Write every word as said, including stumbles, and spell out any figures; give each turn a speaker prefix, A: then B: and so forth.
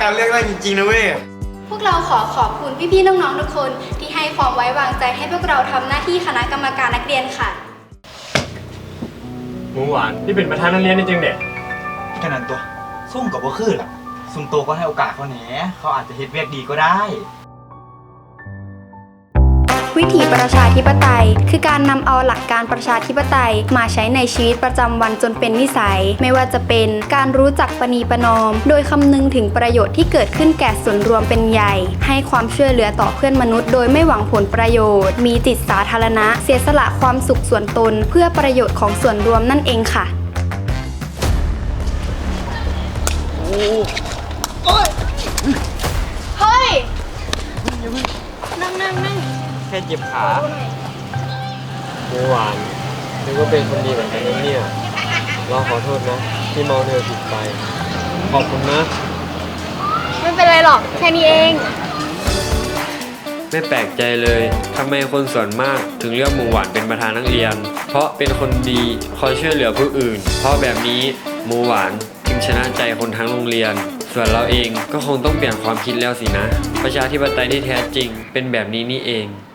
A: เลือกได้จริงๆนะเว้ย
B: พวกเราขอขอบคุณพี่ๆน้องๆทุกคนที่ให้ความไว้วางใจให้พวกเราทำหน้าที่คณะกรรมการนักเรียนค่ะ
C: หมูหวานที่เป็นประธานนักเรียนนี่จริงเด็ก
D: แค่นั้นตัวซุ่มกับว่าคือล่ะซุ่มโตก็ให้โอกาสเขาแหนเขาอาจจะเฮ็ดเวียกดีก็ได้
B: วิถีประชาธิปไตยคือการนำเอาหลักการประชาธิปไตยมาใช้ในชีวิตประจำวันจนเป็นนิสัยไม่ว่าจะเป็นการรู้จักประนีประนอมโดยคำนึงถึงประโยชน์ที่เกิดขึ้นแก่ส่วนรวมเป็นใหญ่ให้ความช่วยเหลือต่อเพื่อนมนุษย์โดยไม่หวังผลประโยชน์มีจิตสาธารณะเสียสละความสุขส่วนตนเพื่อประโยชน์ของส่วนรวมนั่นเองค่ะเฮ้ยนั่งนั่งนั่ง
C: แค่เจ็บขาหมูหวานนึกว่าเป็นคนดีเหมือนกันนะเนี่ยเราขอโทษนะที่เมาเธอผิดไปขอบคุณนะ
B: ไม่เป็นไรหรอกแค่นี้เอง
C: ไม่แปลกใจเลยทำไมคนส่วนมากถึงเลือกหมูหวานเป็นประธานนักเรียนเพราะเป็นคนดีคอยช่วยเหลือผู้อื่นเพราะแบบนี้หมูหวานจึงชนะใจคนทั้งโรงเรียนส่วนเราเองก็คงต้องเปลี่ยนความคิดแล้วสินะประชาธิปไตยที่แท้จริงเป็นแบบนี้นี่เอง